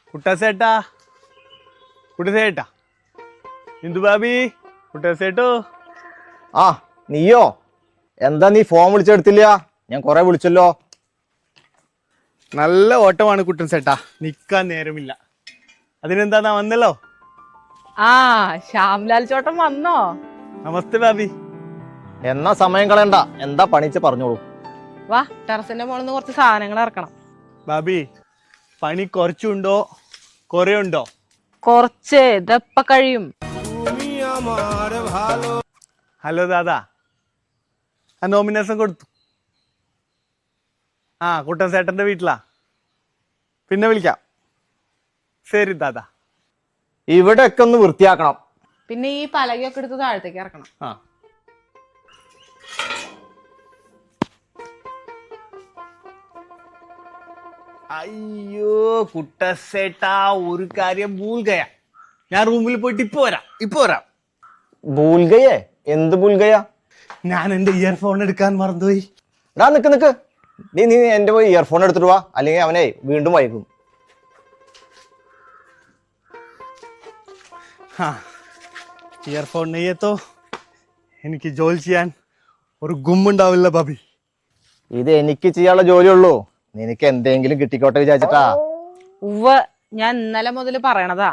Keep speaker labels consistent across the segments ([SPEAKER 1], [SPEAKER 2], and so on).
[SPEAKER 1] കുട്ടസേട്ടാ കുട്ടസേട്ടാ ഇന്ദു ബാബി കുട്ടസേട്ടോ.
[SPEAKER 2] ആ നീയോ? എന്താ നീ ഫോൺ വിളിച്ചെടുത്തില്ല? ഞാൻ കൊറേ വിളിച്ചല്ലോ.
[SPEAKER 1] നല്ല ഓട്ടമാണ് കുട്ടസേട്ടാ, നിക്കാൻ നേരമില്ല. അതിനെന്താ വന്നല്ലോ.
[SPEAKER 3] ആ ശ്യാംലാൽ ചോട്ടൻ വന്നോ?
[SPEAKER 1] നമസ്തേ ബാബി.
[SPEAKER 2] എന്നാ സമയം കളയണ്ട, എന്താ പണിച്ച് പറഞ്ഞോളൂ.
[SPEAKER 3] വാ, ടെറസിന്റെ മുകളിൽ നിന്ന് കുറച്ച് സാധനങ്ങൾ ഇറക്കണം.
[SPEAKER 1] ബാബി, പണി കുറച്ചുണ്ടോ കൊറേ ഉണ്ടോ?
[SPEAKER 3] കുറച്ച്, ഇതെപ്പ കഴിയും.
[SPEAKER 1] ഹലോ ദാദാ, ആ നോമിനേഷൻ കൊടുത്തു. ആ കുട്ടൻസേട്ടന്റെ വീട്ടിലാ, പിന്നെ വിളിക്കാം. ശരി ദാദാ.
[SPEAKER 2] ഇവിടെ ഒക്കെ ഒന്ന് വൃത്തിയാക്കണം.
[SPEAKER 3] പിന്നെ ഈ പലകയൊക്കെ എടുത്ത് താഴത്തേക്ക് ഇറക്കണം.
[SPEAKER 1] ആ അയ്യോ കുട്ടസേട്ടാ, ഒരു കാര്യം ഭൂൽഗയ. ഞാൻ റൂമിൽ പോയിട്ട് ഇപ്പൊ വരാം.
[SPEAKER 2] ഭൂൽഗയെ? എന്ത് ഭൂൽഗയാ?
[SPEAKER 1] ഞാൻ എന്റെ ഇയർഫോൺ എടുക്കാൻ മറന്നുപോയി.
[SPEAKER 2] എടാ നിക്ക് നീ എന്റെ പോയി ഇയർഫോൺ എടുത്തിട്ട് വാ, അല്ലെങ്കിൽ അവനെ വീണ്ടും വൈകും.
[SPEAKER 1] ഇയർഫോൺ നെയ്യത്തോ എനിക്ക് ജോലി ചെയ്യാൻ ഒരു ഗുമ്മുണ്ടാവില്ല ബാബി.
[SPEAKER 2] ഇത് എനിക്ക് ചെയ്യാനുള്ള ജോലിയുള്ളൂ, നിനക്ക് എന്തെങ്കിലും കിട്ടിക്കോട്ടെ വിചാരിച്ചിട്ടാ.
[SPEAKER 3] ഉവ്വ്, ഞാൻ ഇന്നലെ മുതൽ പറയണതാ.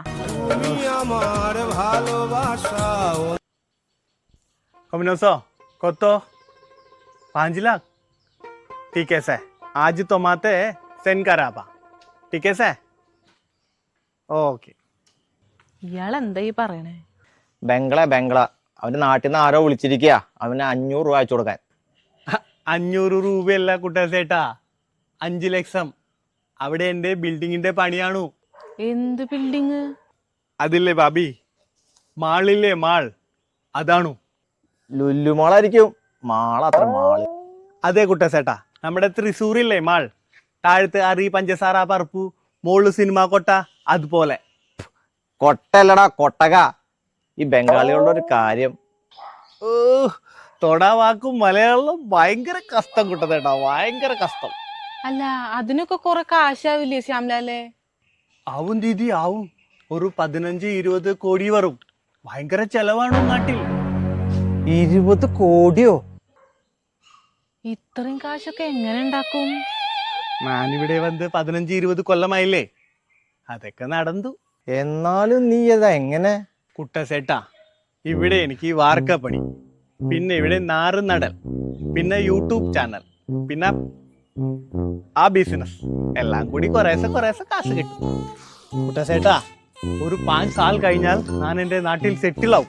[SPEAKER 1] कमिनोसो कोतो 5 लाख ठीक है सर. आज तो माते सेंड करा बा. ठीक है सर. ओके.
[SPEAKER 3] ഇയാൾ എന്താ ഈ പറയണേ?
[SPEAKER 2] ബംഗ്ല അവന്റെ നാട്ടിൽ നിന്ന് ആരോ വിളിച്ചിരിക്കുക, അവന് 500 രൂപ അയച്ചു കൊടുക്കാൻ.
[SPEAKER 1] 500 രൂപയല്ല കുട്ടസേട്ടാ, 5 ലക്ഷം. അവിടെ എന്റെ ബിൽഡിങ്ങിന്റെ പണിയാണു.
[SPEAKER 3] എന്ത് ബിൽഡിങ്?
[SPEAKER 1] അതില്ലേ ബാബി, മാളില്ലേ മാൾ, അതാണു.
[SPEAKER 2] ലുല്ലുമാളായിരിക്കും. മാളത്ര മാള്.
[SPEAKER 1] അതെ കുട്ടസേട്ടാ, നമ്മുടെ തൃശ്ശൂരില്ലേ മാൾ, താഴത്ത് അറി പഞ്ചസാര പറപ്പു, മോള് സിനിമ കൊട്ട, അതുപോലെ.
[SPEAKER 2] കൊട്ടല്ലടാ കൊട്ടക. ഈ ബംഗാളികളുടെ ഒരു കാര്യം.
[SPEAKER 1] ഓ, തൊടാ വാക്കും മലയാളം ഭയങ്കര കഷ്ടം കുട്ടസേട്ടാ, ഭയങ്കര കഷ്ടം.
[SPEAKER 3] അല്ല, അതിനൊക്കെ കുറെ കാശാവില്ലേ ശ്യാംലാലേ?
[SPEAKER 1] ആവും ദീദി ആവും. ഒരു 15-20 കോടി വരും. ഭയങ്കര ചെലവാണു നാട്ടിൽ.
[SPEAKER 2] 20 കോടിയോ?
[SPEAKER 3] ഇത്രയും കാശൊക്കെ എങ്ങനെ ഉണ്ടാക്കും?
[SPEAKER 1] ഞാനിവിടെ വന്ന് 15-20 കൊല്ലമായില്ലേ, അതൊക്കെ നടന്നു.
[SPEAKER 2] എന്നാലും നീ ഏതാ എങ്ങനെ?
[SPEAKER 1] കുട്ടസേട്ടാ, ഇവിടെ എനിക്ക് വാർക്കപ്പണി, പിന്നെ ഇവിടെ നാറ് നടൽ, പിന്നെ യൂട്യൂബ് ചാനൽ, പിന്നെ ആ ബിസിനസ് എല്ലാം കൂടി കുറേശ്ശെ കാശ് കിട്ടും. കുട്ടസേട്ടാ, ഒരു 5 സാൽ കഴിഞ്ഞാൽ ഞാൻ എന്റെ നാട്ടിൽ സെറ്റിൽ ആവും.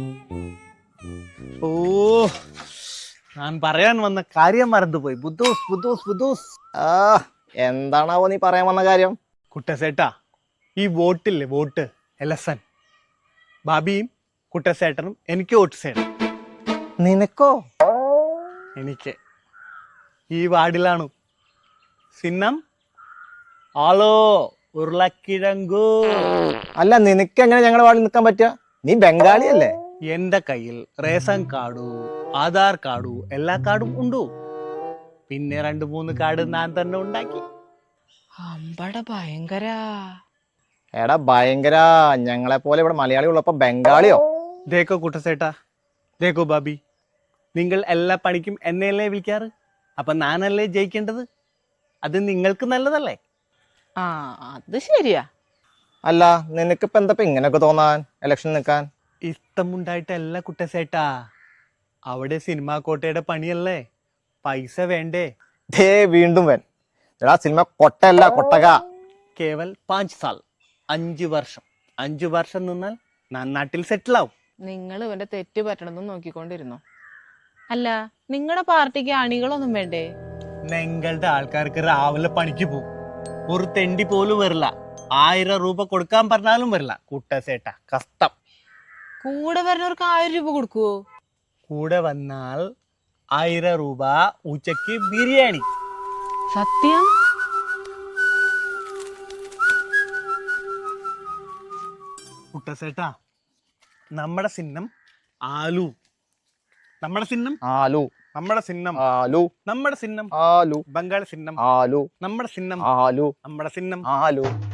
[SPEAKER 1] ഓ, ഞാൻ പറയാൻ വന്ന കാര്യം മറന്നുപോയി. ബുദ്ധൂസ്.
[SPEAKER 2] എന്താണാവോ നീ പറയാൻ വന്ന കാര്യം?
[SPEAKER 1] കുട്ടസേട്ടാ, ഈ വോട്ടില്ലേ, വോട്ട് എലക്ഷൻ, ബാബിയും കുട്ടസേട്ടനും എനിക്ക് വോട്ട് ചെയ്യണം.
[SPEAKER 2] നിനക്കോ?
[SPEAKER 1] എനിക്ക് ഈ വാർഡിലാണ്. സിന്നം ആളോ ഉരുളക്കിഴങ്കു.
[SPEAKER 2] അല്ല, നിനക്ക് എങ്ങനെ ഞങ്ങളുടെ വാർഡിൽ നിൽക്കാൻ പറ്റുക? നീ ബംഗാളിയല്ലേ?
[SPEAKER 1] എന്റെ കയ്യിൽ റേഷൻ കാർഡു, ആധാർ കാർഡു, എല്ലാ കാർഡും ഉണ്ടു. പിന്നെ 2-3 കാർഡ് ഞാൻ തന്നെ ഉണ്ടാക്കി.
[SPEAKER 3] അമ്പട ഭയങ്കര.
[SPEAKER 2] എടാ ഭയങ്കര. ഞങ്ങളെ പോലെ ഇവിടെ മലയാളി ഉള്ളപ്പോ ബംഗാളിയോ?
[SPEAKER 1] ദേക്കോ കുട്ടസേട്ടാ, ദേക്കോ ബാബി, നിങ്ങൾ എല്ലാ പണിക്കും എന്നെയല്ലേ വിളിക്കാറ്, അപ്പൊ ഞാനല്ലേ ജയിക്കേണ്ടത്. അത് നിങ്ങൾക്ക് നല്ലതല്ലേ?
[SPEAKER 3] ആ, അത് ശരിയാ.
[SPEAKER 2] അല്ല, നിനക്കിപ്പോ എന്താ ഇങ്ങനെയൊക്കെ തോന്നാൻ ഇലക്ഷൻ നിൽക്കാൻ?
[SPEAKER 1] ഇഷ്ടമുണ്ടായിട്ടല്ല കുട്ടസേട്ടാ, അവിടെ സിനിമാ കോട്ടയുടെ പണിയല്ലേ, പൈസ വേണ്ടേ?
[SPEAKER 2] വീണ്ടും എടാ, സിനിമ കൊട്ടല്ല കൊട്ടക.
[SPEAKER 1] കേവൽ 5 സാൽ, 5 വർഷം. 5 വർഷം നിന്നാൽ ഞാൻ നാട്ടിൽ സെറ്റിൽ ആവും.
[SPEAKER 3] നിങ്ങൾ ഇവന്റെ തെറ്റ് പറ്റണമെന്ന് നോക്കിക്കൊണ്ടിരുന്നോ? അല്ല, നിങ്ങളുടെ പാർട്ടിക്ക് അണികളൊന്നും വേണ്ടേ?
[SPEAKER 1] നിങ്ങളുടെ ആൾക്കാർക്ക് രാവിലെ പണിക്ക് പോകും, ഒരു തെണ്ടി പോലും വരില്ല. 1000 രൂപ കൊടുക്കാൻ പറഞ്ഞാലും വരില്ല. കുട്ടസേട്ടാ, കഷ്ടം.
[SPEAKER 3] കൂടെ വരുന്നവർക്ക് 1000 രൂപ കൊടുക്കുവോ?
[SPEAKER 1] കൂടെ വന്നാൽ 1000 രൂപ ഉച്ചക്ക് ബിരിയാണി.
[SPEAKER 3] സത്യം?
[SPEAKER 1] കുട്ടസേട്ടാ, നമ്മുടെ ചിഹ്നം ആലു. നമ്മുടെ ചിഹ്നം
[SPEAKER 2] ആലു.
[SPEAKER 1] നമ്മുടെ ചിഹ്നം
[SPEAKER 2] ആലു.
[SPEAKER 1] നമ്മുടെ ചിഹ്നം
[SPEAKER 2] ആലു.
[SPEAKER 1] ബംഗാൾ ചിഹ്നം
[SPEAKER 2] ആലു.
[SPEAKER 1] നമ്മുടെ ചിഹ്നം
[SPEAKER 2] ആലു.
[SPEAKER 1] നമ്മുടെ ചിഹ്നം
[SPEAKER 2] ആലു.